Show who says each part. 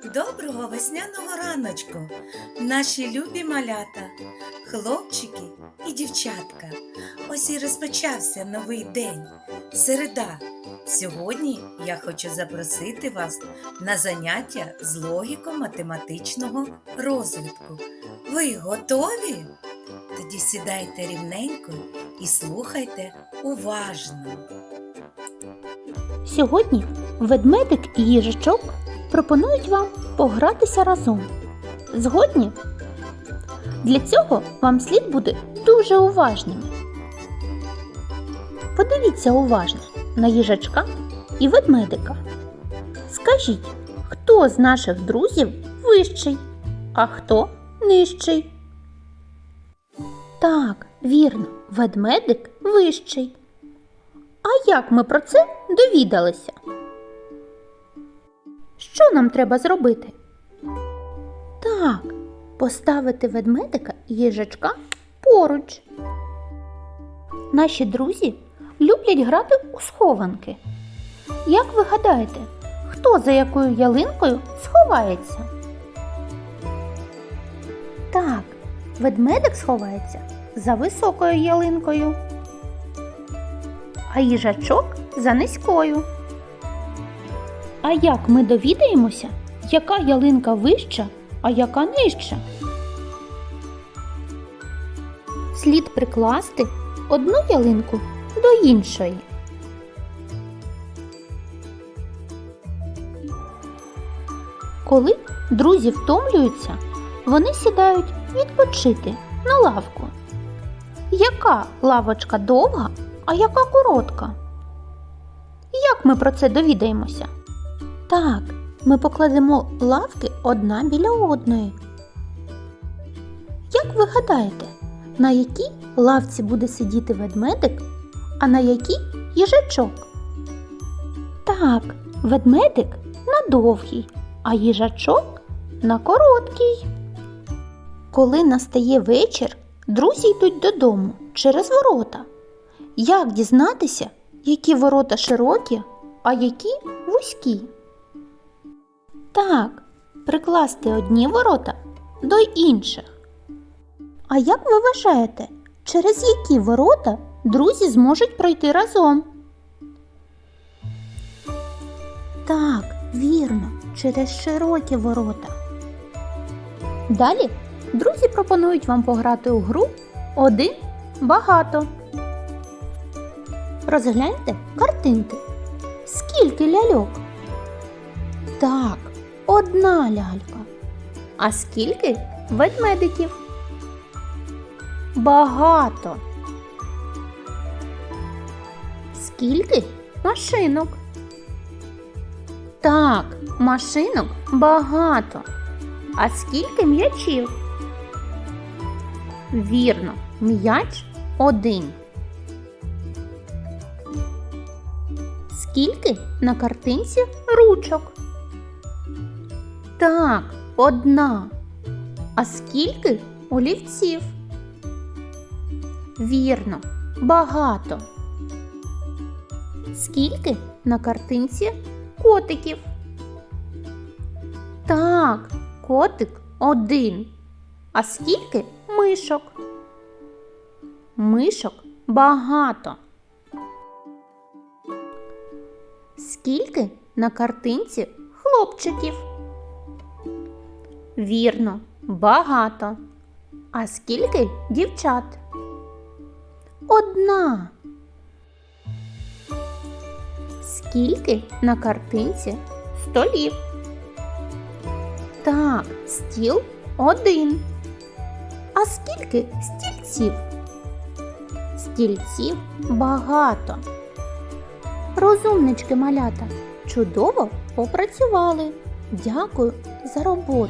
Speaker 1: Доброго весняного раночку, наші любі малята, хлопчики і дівчатка. Ось і розпочався новий день, середа. Сьогодні я хочу запросити вас на заняття з логіко-математичного розвитку. Ви готові? Тоді сідайте рівненько і слухайте уважно.
Speaker 2: Сьогодні ведмедик і їжачок пропонують вам погратися разом. Згодні? Для цього вам слід бути дуже уважними. Подивіться уважно на їжачка і ведмедика. Скажіть, хто з наших друзів вищий, а хто нижчий? Так, вірно, ведмедик вищий. А як ми про це довідалися? Що нам треба зробити? Так, поставити ведмедика і їжачка поруч. Наші друзі люблять грати у схованки. Як ви гадаєте, хто за якою ялинкою сховається? Так, ведмедик сховається за високою ялинкою, а їжачок за низькою. А як ми довідаємося, яка ялинка вища, а яка нижча? Слід прикласти одну ялинку до іншої. Коли друзі втомлюються, вони сідають відпочити на лавку. Яка лавочка довга, а яка коротка? Як ми про це довідаємося? Так, ми покладемо лавки одна біля одної. Як ви гадаєте, на якій лавці буде сидіти ведмедик, а на якій їжачок? Так, ведмедик на довгій, а їжачок на короткій. Коли настає вечір, друзі йдуть додому через ворота. Як дізнатися, які ворота широкі, а які вузькі? Так, прикласти одні ворота до інших. А як ви вважаєте, через які ворота друзі зможуть пройти разом? Так, вірно, через широкі ворота. Далі друзі пропонують вам пограти у гру «Один багато». Розгляньте картинки. Скільки ляльок? Так, одна лялька. А скільки ведмедиків? Багато. Скільки машинок? Так, машинок багато. А скільки м'ячів? Вірно, м'яч один. Скільки на картинці ручок? Так, одна. А скільки олівців? Вірно, багато. Скільки на картинці котиків? Так, котик один. А скільки мишок? Мишок багато. Скільки на картинці хлопчиків? Вірно, багато. А скільки дівчат? Одна. Скільки на картинці столів? Так, стіл один. А скільки стільців? Стільців багато. Розумнички, малята, чудово попрацювали. Дякую за роботу.